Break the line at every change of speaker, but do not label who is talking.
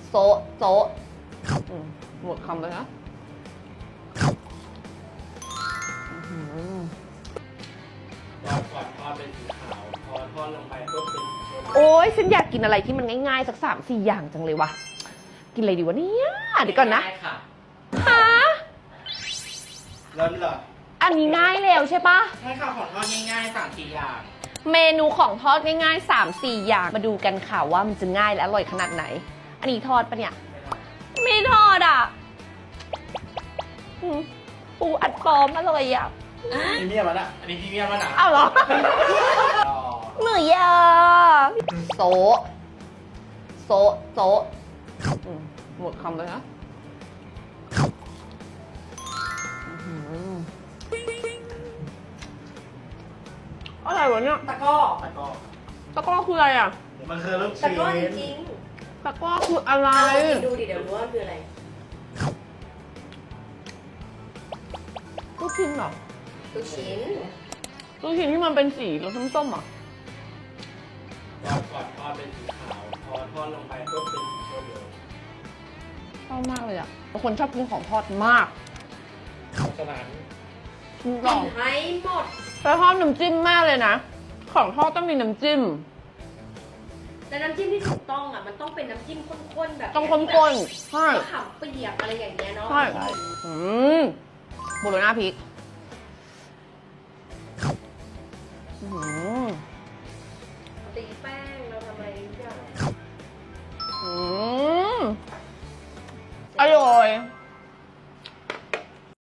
โซะโซะหมดคำเลยนะ
รอบก่อนทอดเป็นสีขาวพอทอดลงไปก็เป็นสีชมพู
โอ้ยฉันอยากกินอะไรที่มันง่ายๆสัก3-4 อย่างจังเลยวะกินอะไรดีวะเนี่ยเดี๋ยวก่อนนะ
ง่ายค่ะ
ฮะ
เริ่มเลย
อันนี้ง่ายแล้วใช่ปะ
ใช่ค่ะของทอดง่ายๆ3-4อย่าง
เมนูของทอดง่ายๆ3-4 อย่างมาดูกันค่ะว่ามันจะง่ายและอร่อยขนาดไหน อันนี้ทอดปะเนี่ยไม่ทอดอ่ะปูอัดปลอมอร่อยอ่ะ
พรีเมียมมันอ่ะอันนี้พรีเมียมมันอ่ะ
อ้าวเหรอหมือยาโซะโซะโซะหมดคำเลยนะอะไรวะเนี่ย
ตะก้อ
แล้วก็
ตะกร้อคืออะไรอ่ะ
มันคือลูก
ตะ
ชิ้น
ก้อจริง
ตะกร้อคืออะไร
ๆกินดูดิเดี๋ยวรู้ว่าคืออะไร
ลูกชิ้นเหรอ
ลูกชิ้น
ลูกชิ้นที่มันเป็นสีรสส้มๆอ่ะ
รอบก่อนทอดเป็นสีขาวพอทอดลงไปก็เป็นสีชมพู
ชอบมากเลยอ่ะเป็นคนชอบกินของทอดมาก
เพราะฉะนั้น
กิน
กิ
ก่อน
นให้หมด
แล้วชอบน้ำจิ้มมากเลยนะ ของทอดต้องมีน้ำจิ้ม
แต่น้ำจิ้มที่ถูกต้องอ่ะมันต้องเป็นน้ำจิ้มข้นๆแบบ
ต้องข้นๆใช่
มะขามเปียกอะไรอย่างเงี้ยเนาะ
ใช่โบโลน่าพริก
ตีแป้ง